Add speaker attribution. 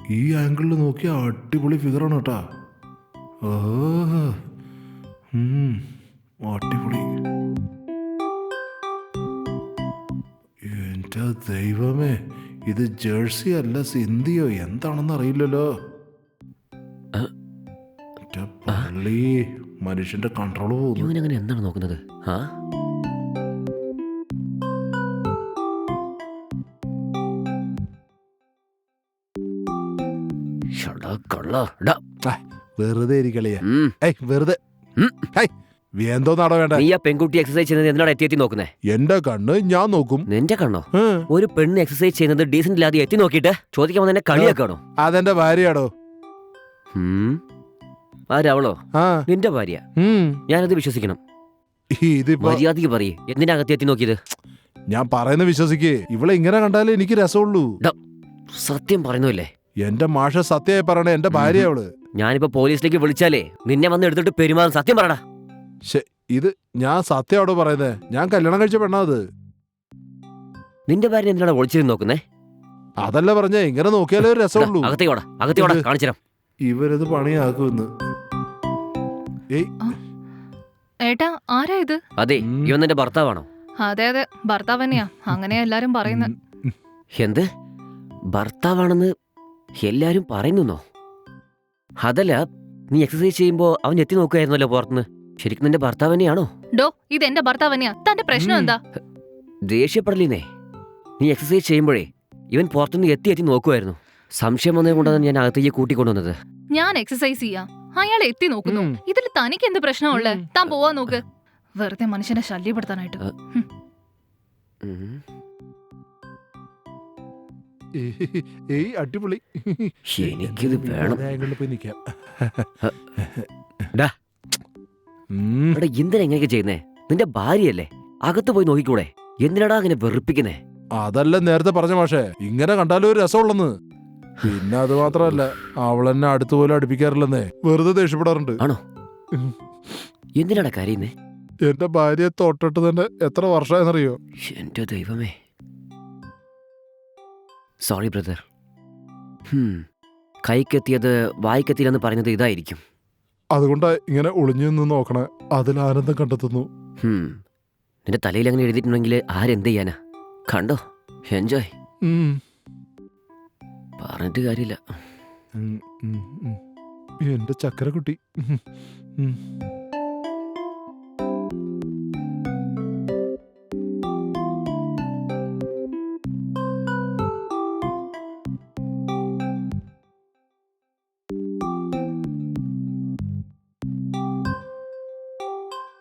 Speaker 1: ഈ ആംഗിളിൽ നോക്കിയ അടിപൊളി ഫിഗറാണ് കേട്ടാ. അടിപൊളി. എൻ്റെ ദൈവമേ, ഇത് ജേഴ്സി അല്ല സിന്ധിയോ എന്താണെന്ന് അറിയില്ലല്ലോ. പള്ളി മനുഷ്യന്റെ കൺട്രോള് പോകുന്നു.
Speaker 2: ഇവനങ്ങനെ എന്താണ് നോക്കുന്നത്? ആ
Speaker 1: വെറുതെ ഇരിക്കളിയ. വെറുതെ എന്തോന്നാടോ വേണ്ട.
Speaker 2: നീ ആ പെൺകുട്ടി എക്സസൈസ് ചെയ്യുന്നത് എന്തിനാണ് എത്തി നോക്കുന്നേ?
Speaker 1: എന്റെ കണ്ണ് ഞാൻ നോക്കും.
Speaker 2: നിന്റെ കണ്ണോ? ഒരു പെണ്ണ് എക്സസൈസ് ചെയ്യുന്നത് ഡീസന്റ് ഇല്ലാതെ എത്തി നോക്കിയിട്ട് ചോദിക്കാൻ വന്നെ കളിയാക്കാണോ?
Speaker 1: അതെന്റെ ഭാര്യയാടോ.
Speaker 2: ആരവളോ? നിന്റെ ഭാര്യ? ഞാനത് വിശ്വസിക്കണം. മര്യാദക്ക് പറയേ, എന്തിനാ അകത്ത് എത്തി നോക്കിയത്?
Speaker 1: ഞാൻ പറയുന്ന വിശ്വസിക്കേ. ഇവളെ ഇങ്ങനെ കണ്ടാലേ എനിക്ക് രസമുള്ളൂ.
Speaker 2: സത്യം പറയുന്നില്ലേ?
Speaker 1: എന്റെ മാഷ സത്യമായി പറയണേ, എന്റെ ഭാര്യ അവള്.
Speaker 2: ഞാനിപ്പോ പോലീസിലേക്ക് വിളിച്ചാലേ നിന്നെ വന്ന് എടുത്തിട്ട് പെരുമാറും. സത്യം പറടാ.
Speaker 1: ഇത് ഞാൻ സത്യമാണോ പറയുന്നേ? ഞാൻ കല്യാണം കഴിച്ച പെണ്ണാ അത്.
Speaker 2: നിന്റെ ഭാര്യ എന്തിനാണ് ഒളിച്ചിരുന്ന് നോക്കുന്നേ?
Speaker 1: അതല്ല പറഞ്ഞ ഇങ്ങനെ നോക്കിയാലേ ഒരു രസമുള്ളൂ.
Speaker 2: അകത്തേക്കോടാ കാണിച്ചു.
Speaker 1: ഇവരത് പണിയാക്കുമെന്ന്.
Speaker 3: ഏട്ടാ, ആരാ ഇത്?
Speaker 2: അതെ, ഇവൻ നിന്റെ ഭർത്താവാണോ?
Speaker 3: അതെ അതെ, ഭർത്താവ് തന്നെയാ. അങ്ങനെയാ എല്ലാരും പറയുന്നത്.
Speaker 2: എന്ത് ഭർത്താവാണെന്ന് എല്ലാരും പറയുന്നോ? അതല്ല, നീ എക്സസൈസ് ചെയ്യുമ്പോ അവൻ എത്തി നോക്കുകയായിരുന്നല്ലോ പുറത്തുനിന്ന്. ശരിക്കും നിന്റെ ഭർത്താവ് തന്നെയാണോ?
Speaker 3: ഡോ, ഇത് എന്റെ ഭർത്താവ് തന്നെയാ. തന്റെ പ്രശ്നം എന്താ?
Speaker 2: ദേഷ്യപ്പെടലിനെ. നീ എക്സസൈസ് ചെയ്യുമ്പോഴേ ഇവൻ പുറത്തുനിന്ന് എത്തി നോക്കുമായിരുന്നു. സംശയം വന്നത് കൊണ്ടാണ് ഞാൻ അകത്തേക്ക് കൂട്ടിക്കൊണ്ടുവന്നത്.
Speaker 3: ഞാൻ എക്സസൈസ് ചെയ്യാം, അയാൾ എത്തി നോക്കുന്നു. ഇതിൽ തനിക്ക് എന്ത് പ്രശ്നമുള്ളേ? താൻ പോവാ നോക്ക്. വെറുതെ മനുഷ്യനെ ശല്യപ്പെടുത്താനായിട്ട്.
Speaker 1: അടിപൊളി.
Speaker 2: എനിക്കിത് വേണം. എന്തിനാ എങ്ങനെയൊക്കെ ചെയ്യുന്നേ? നിന്റെ ഭാര്യയല്ലേ, അകത്ത് പോയി നോക്കിക്കൂടെ? എന്തിനാടാ അങ്ങനെ വെറുപ്പിക്കുന്നേ?
Speaker 1: അതല്ല നേരത്തെ പറഞ്ഞ മാഷേ, ഇങ്ങനെ കണ്ടാലും ഒരു രസമുള്ളെന്ന്. പിന്നെ അത് മാത്രമല്ല, അവളെന്നെ അടുത്തുപോലെ അടുപ്പിക്കാറില്ലെന്നേ, വെറുതെ ദേഷ്യപ്പെടാറുണ്ട്.
Speaker 2: ആണോ? എന്തിനാടാ കരയുന്നേ?
Speaker 1: എന്റെ ഭാര്യയെ തൊട്ടിട്ട് തന്നെ എത്ര വർഷമായെന്നറിയോ?
Speaker 2: എന്റെ ദൈവമേ. Sorry brother. കൈക്കെത്തിയത് വായിക്കെത്തിയില്ലെന്ന് പറയുന്നത് ഇതായിരിക്കും.
Speaker 1: അതുകൊണ്ടാ ഇങ്ങനെ ഒളിഞ്ഞു നിന്ന് നോക്കണേ. അതിൽ ആനന്ദം കണ്ടെത്തുന്നു.
Speaker 2: നിന്റെ തലയിൽ അങ്ങനെ എഴുതിയിട്ടുണ്ടെങ്കിൽ ആരെന്ത് ചെയ്യാനാ? കണ്ടോ, എൻജോയ്. പറഞ്ഞിട്ട് കാര്യമില്ല.
Speaker 1: എന്റെ ചക്കരക്കുട്ടി.